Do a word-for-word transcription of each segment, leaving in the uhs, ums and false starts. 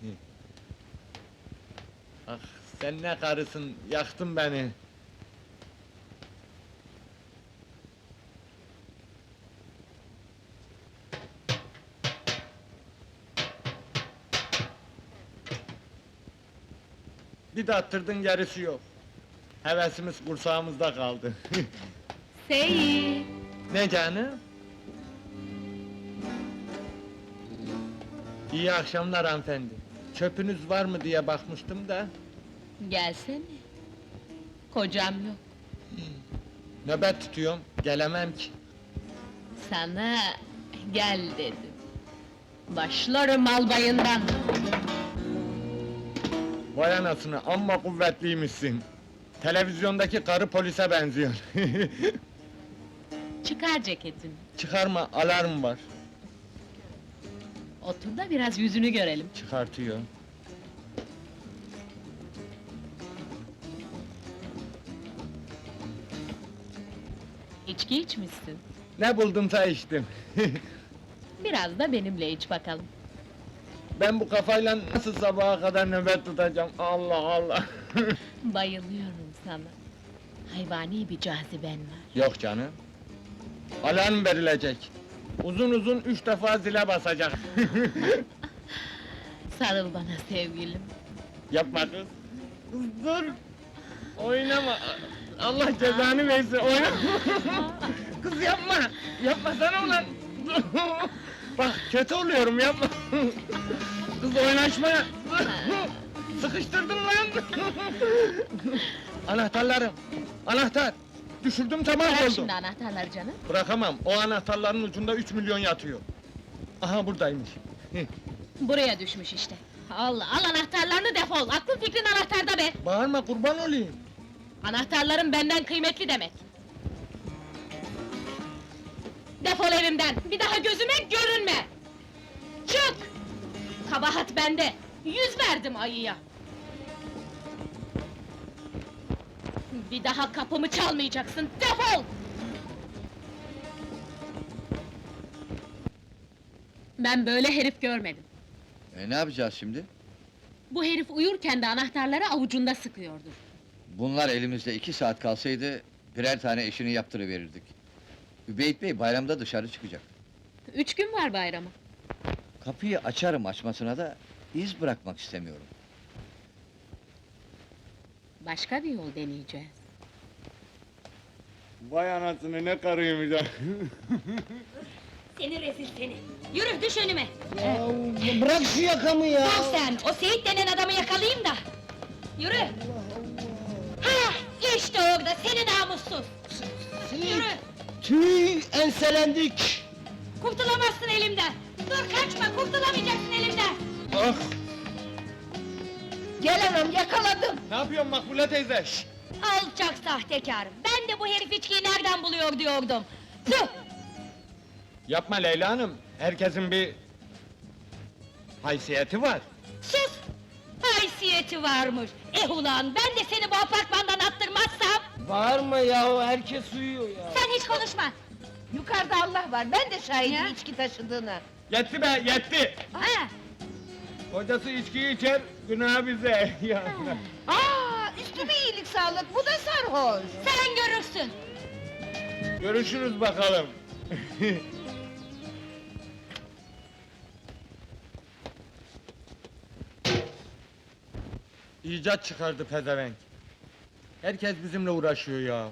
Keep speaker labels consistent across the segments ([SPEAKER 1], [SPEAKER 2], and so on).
[SPEAKER 1] Ah, sen ne karısın, yaktın beni! Bir de attırdın, gerisi yok. Hevesimiz kursağımızda kaldı.
[SPEAKER 2] Seyit!
[SPEAKER 1] Ne canım? İyi akşamlar hanımefendi. Çöpünüz var mı diye bakmıştım da...
[SPEAKER 2] Gelsene! Kocam yok.
[SPEAKER 1] Nöbet tutuyorum, gelemem ki.
[SPEAKER 2] Sana gel dedim. Başlarım albayından!
[SPEAKER 1] Vay anasını, amma kuvvetliymişsin. Televizyondaki karı polise benziyor.
[SPEAKER 2] Çıkar ceketini.
[SPEAKER 1] Çıkarma, alarm var.
[SPEAKER 2] Otur da biraz yüzünü görelim.
[SPEAKER 1] Çıkartıyor.
[SPEAKER 2] İçki içmişsin.
[SPEAKER 1] Ne buldumsa içtim.
[SPEAKER 2] Biraz da benimle iç bakalım.
[SPEAKER 1] Ben bu kafayla nasıl sabaha kadar nöbet tutacağım? Allah Allah!
[SPEAKER 2] Bayılıyorum sana. Hayvani bir caziben var.
[SPEAKER 1] Yok canım. Alarm verilecek. Uzun uzun üç defa zile basacak.
[SPEAKER 2] Sarıl bana sevgilim.
[SPEAKER 1] Yapma kız! Kız dur! Oynama! Allah cezanı versin, oynama! Kız yapma! Yapmasana ulan! Bak, kötü oluyorum, yapma! Kız oynaşma! Sıkıştırdın lan! Anahtarlarım! Anahtar! Düşürdüm, tamam
[SPEAKER 2] Bırak
[SPEAKER 1] oldu!
[SPEAKER 2] şimdi anahtarları canım.
[SPEAKER 1] Bırakamam, o anahtarların ucunda üç milyon yatıyor! Aha, buradaymış!
[SPEAKER 2] Buraya düşmüş işte. Al, al anahtarlarını defol! Aklın fikrin anahtarda be!
[SPEAKER 1] Bağırma, kurban olayım!
[SPEAKER 2] Anahtarların benden kıymetli demek! Defol evimden! Bir daha gözüme görünme! Çık! Kabahat bende! Yüz verdim ayıya! Bir daha kapımı çalmayacaksın, defol! Ben böyle herif görmedim.
[SPEAKER 3] E ne yapacağız şimdi?
[SPEAKER 2] Bu herif uyurken de anahtarları avucunda sıkıyordur.
[SPEAKER 3] Bunlar elimizde iki saat kalsaydı, birer tane işini yaptırıverirdik. Übeyt Bey bayramda dışarı çıkacak.
[SPEAKER 2] Üç gün var bayrama.
[SPEAKER 3] Kapıyı açarım açmasına da, iz bırakmak istemiyorum.
[SPEAKER 2] Başka bir yol deneyeceğiz.
[SPEAKER 1] Vay anasını, ne karıymış ha!
[SPEAKER 4] Seni rezil seni! Yürü, düş önüme!
[SPEAKER 5] Ya bırak şu yakamı ya!
[SPEAKER 4] Dur sen, o Seyit denen adamı yakalayayım da! Yürü! Ha, işte orada, seni namussuz! Yürü!
[SPEAKER 5] Tüy, enselendik!
[SPEAKER 4] Kurtulamazsın elimden! Dur kaçma, kurtulamayacaksın elimden!
[SPEAKER 1] Ah!
[SPEAKER 4] Gel anam, yakaladım!
[SPEAKER 1] Ne yapıyorsun Makbule teyze? Şşt!
[SPEAKER 4] Alçak sahtekâr! Ben de bu herif içkiyi nereden buluyor diyordum! Tüh!
[SPEAKER 1] Yapma Leyla Hanım, herkesin bir... haysiyeti var.
[SPEAKER 4] Sus! Haysiyeti varmış! Eh ulan, ben de seni bu apartmandan attırmazsam...
[SPEAKER 5] Bağırma yahu, herkes uyuyor ya!
[SPEAKER 4] Sen hiç konuşma!
[SPEAKER 6] Yukarıda Allah var, ben de şahidim
[SPEAKER 4] Ya.
[SPEAKER 6] içki taşıdığına.
[SPEAKER 1] Yetti be, yetti!
[SPEAKER 4] Ha!
[SPEAKER 1] Kocası içkiyi içer, günah bize! Ya.
[SPEAKER 6] Aa, üstüme iyilik sağlık, bu da sarhoş!
[SPEAKER 4] Sen görürsün!
[SPEAKER 1] Görüşürüz bakalım! İcat çıkardı pezevenk! Herkes bizimle uğraşıyor ya!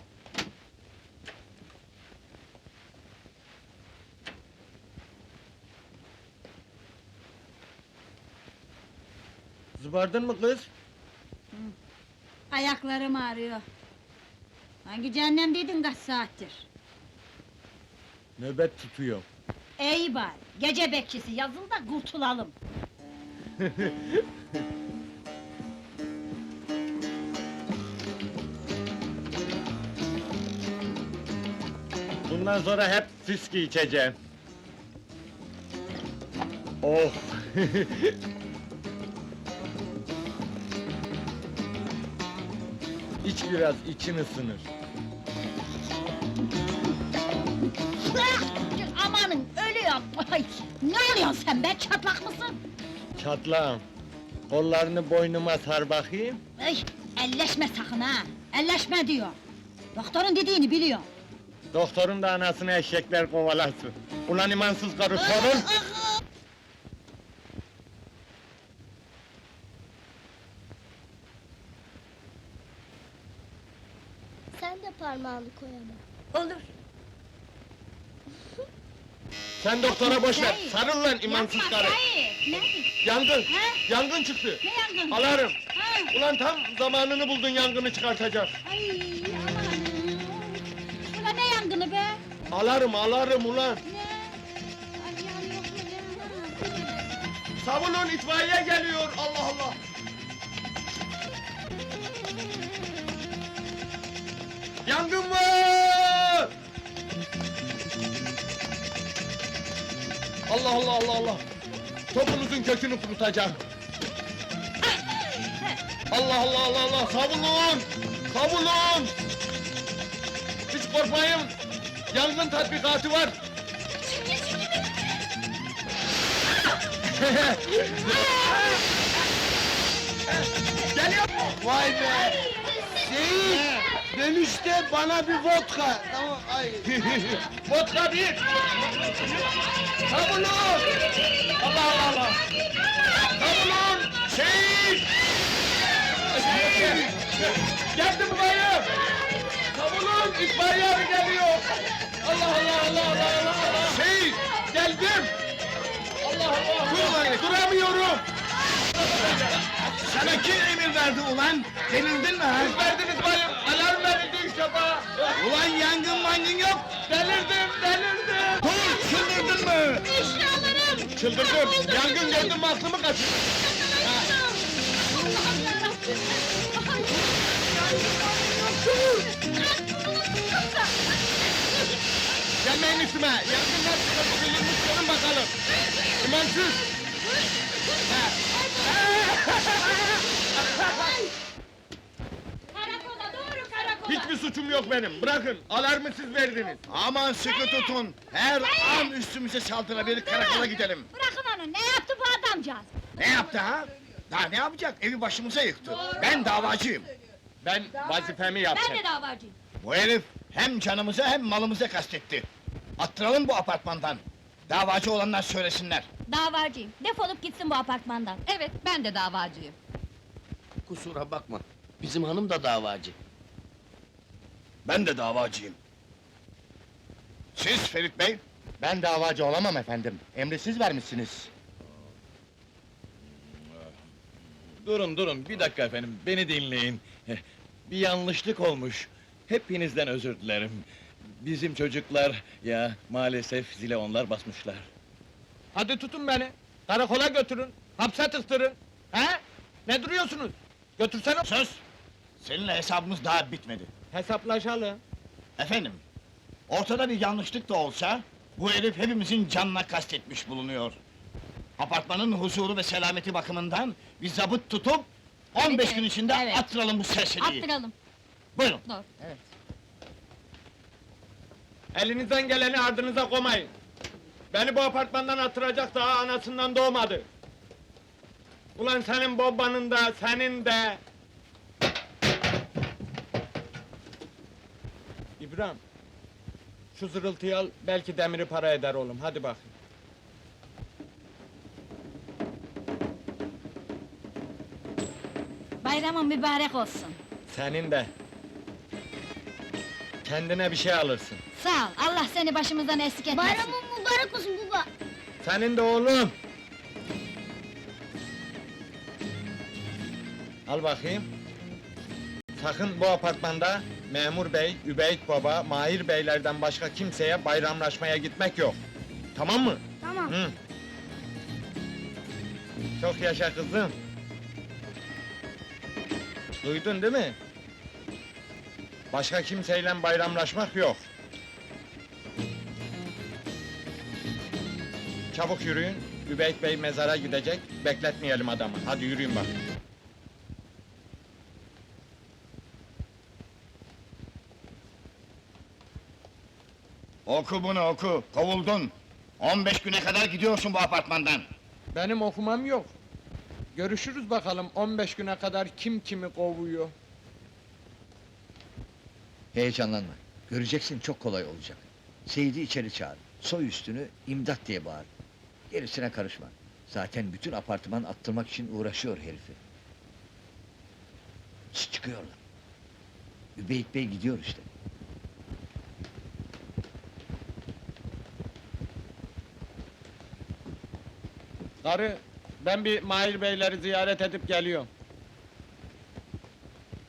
[SPEAKER 1] Zıbardın mı kız?
[SPEAKER 7] Ayaklarım ağrıyor. Hangi cehennemdeydin kaç saattir?
[SPEAKER 1] Nöbet tutuyor.
[SPEAKER 7] İyi bari, gece bekçisi yazıl da kurtulalım.
[SPEAKER 1] Bundan sonra hep fiski içeceğim. Oh! İç biraz, için ısınır.
[SPEAKER 7] Ah! Amanın, ölüyorum! Ay, ne oluyorsun sen be, çatlak mısın?
[SPEAKER 1] Çatlağım. Kollarını boynuma sar bakayım.
[SPEAKER 7] Ay, elleşme sakın ha! Elleşme diyor! Doktorun dediğini biliyor.
[SPEAKER 1] Doktorun da anasını eşekler kovalasın. Ulan imansız karı sorun!
[SPEAKER 8] Sen de parmağını koy ama.
[SPEAKER 7] Olur.
[SPEAKER 1] Sen doktora boş ver,
[SPEAKER 7] Hayır.
[SPEAKER 1] sarıl lan imansız
[SPEAKER 7] Yapma,
[SPEAKER 1] karı!
[SPEAKER 7] hayır! Ne?
[SPEAKER 1] Yangın!
[SPEAKER 7] Ha?
[SPEAKER 1] Yangın çıktı!
[SPEAKER 7] Ne yangın?
[SPEAKER 1] Alarm!
[SPEAKER 7] Ha?
[SPEAKER 1] Ulan tam zamanını buldun yangını çıkartacak!
[SPEAKER 7] Ay aman! Ulan ne yangını be?
[SPEAKER 1] Alarm, alarm ulan!
[SPEAKER 7] Ne? Ay yanıyor mu ne?
[SPEAKER 1] Savunun, itfaiye geliyor! Allah Allah! Yangın var! Allah Allah Allah Allah! Topunuzun kökünü kurutacağım! Allah Allah Allah Allah! Savunun! Savunun! Hiç korkmayın! Yangın tatbikatı var! Geliyor!
[SPEAKER 5] Vay be! Seyit! Dönüşte bana bir vodka! Tamam, ay!
[SPEAKER 1] Vodka bir! Savunun! Allah Allah Allah! Savunun! Şehit! Geldim bayım! Savunun! İtfaiye abi geliyor! Allah Allah Allah Allah Allah Allah! Şehit! Geldim! Allah Allah! Dur bayım! Duramıyorum!
[SPEAKER 5] Sana kim emir verdi ulan? Delildin mi ha?
[SPEAKER 1] Siz verdiniz bayım! Alarm verildi üç defa!
[SPEAKER 5] Ulan yangın mangın yok!
[SPEAKER 1] Delirdim! Delirdim!
[SPEAKER 5] Dur, çıldırdın mı?
[SPEAKER 2] Eşyalarım!
[SPEAKER 1] Çıldırdım! Yangın gördüm mü aklımı kaçırdım!
[SPEAKER 2] Allah'ım yarabbim!
[SPEAKER 1] Gelmeyin üstüme! Yangınlar çıkardı, bilirmiş görün bakalım! İmansız!
[SPEAKER 2] Karakola doğru karakola!
[SPEAKER 1] Hiçbir suçum yok benim, bırakın! Alarmı siz verdiniz!
[SPEAKER 5] Aman sıkı tutun! Her an üstümüze saldırabilir, karakola gidelim!
[SPEAKER 7] Bırakın onu, ne yaptı bu adamcağız?
[SPEAKER 5] Ne yaptı ha? Daha ne yapacak? Evi başımıza yıktı! Ben davacıyım!
[SPEAKER 1] Ben vazifemi yaptım!
[SPEAKER 7] Ben de davacıyım.
[SPEAKER 5] Bu herif hem canımıza hem malımıza kastetti! Attıralım bu apartmandan! Davacı olanlar söylesinler!
[SPEAKER 7] Davacıyım, defolup gitsin bu apartmandan.
[SPEAKER 2] Evet, ben de davacıyım.
[SPEAKER 9] Kusura bakma, bizim hanım da davacı.
[SPEAKER 5] Ben de davacıyım! Siz Ferit Bey?
[SPEAKER 1] Ben davacı olamam efendim, emri siz vermişsiniz!
[SPEAKER 10] Durun durun, bir dakika efendim, beni dinleyin. Eh, Bir yanlışlık olmuş. Hepinizden özür dilerim. Bizim çocuklar, ya maalesef zile onlar basmışlar.
[SPEAKER 1] Hadi tutun beni, karakola götürün, hapse tıktırın! He? Ne duruyorsunuz? Götürsene!
[SPEAKER 5] Söz! Seninle hesabımız daha bitmedi.
[SPEAKER 1] Hesaplaşalım!
[SPEAKER 5] Efendim, ortada bir yanlışlık da olsa, bu herif hepimizin canına kastetmiş bulunuyor. Apartmanın huzuru ve selameti bakımından bir zabıt tutup, on beş
[SPEAKER 7] Evet,
[SPEAKER 5] gün içinde
[SPEAKER 7] evet.
[SPEAKER 5] attıralım bu serseriyi.
[SPEAKER 7] Attıralım.
[SPEAKER 5] Buyurun.
[SPEAKER 7] Doğru.
[SPEAKER 1] Elinizden geleni ardınıza koymayın! Beni bu apartmandan attıracak daha anasından doğmadı! Ulan senin babanın da, senin de! İbrahim! Şu zırıltıyı al, belki demiri para eder oğlum, hadi bakayım!
[SPEAKER 7] Bayramın mübarek olsun.
[SPEAKER 1] Senin de! Kendine bir şey alırsın!
[SPEAKER 7] Sağ ol, Allah seni başımızdan eksik etmesin.
[SPEAKER 8] Bayramın mübarek olsun baba.
[SPEAKER 1] Senin de oğlum! Al bakayım! Sakın bu apartmanda Memur Bey, Übeyt Baba, Mahir Beylerden başka kimseye bayramlaşmaya gitmek yok! Tamam mı?
[SPEAKER 8] Tamam.
[SPEAKER 1] Hı. Çok yaşa kızım! Duydun değil mi? Başka kimseyle bayramlaşmak yok! Çabuk yürüyün, Übeyt Bey mezara gidecek, bekletmeyelim adamı. Hadi yürüyün bak.
[SPEAKER 5] Oku bunu oku, kovuldun! On beş güne kadar gidiyorsun bu apartmandan!
[SPEAKER 1] Benim okumam yok. Görüşürüz bakalım on beş güne kadar kim kimi kovuyor.
[SPEAKER 3] Heyecanlanma. Göreceksin çok kolay olacak. Seyit'i içeri çağır. Soy üstünü imdat diye bağır. Gerisine karışma. Zaten bütün apartman attırmak için uğraşıyor herifi. Şşt, çıkıyorlar. Übeyt Bey gidiyor işte.
[SPEAKER 1] Karı, ben bir Mahir Beyleri ziyaret edip geliyorum.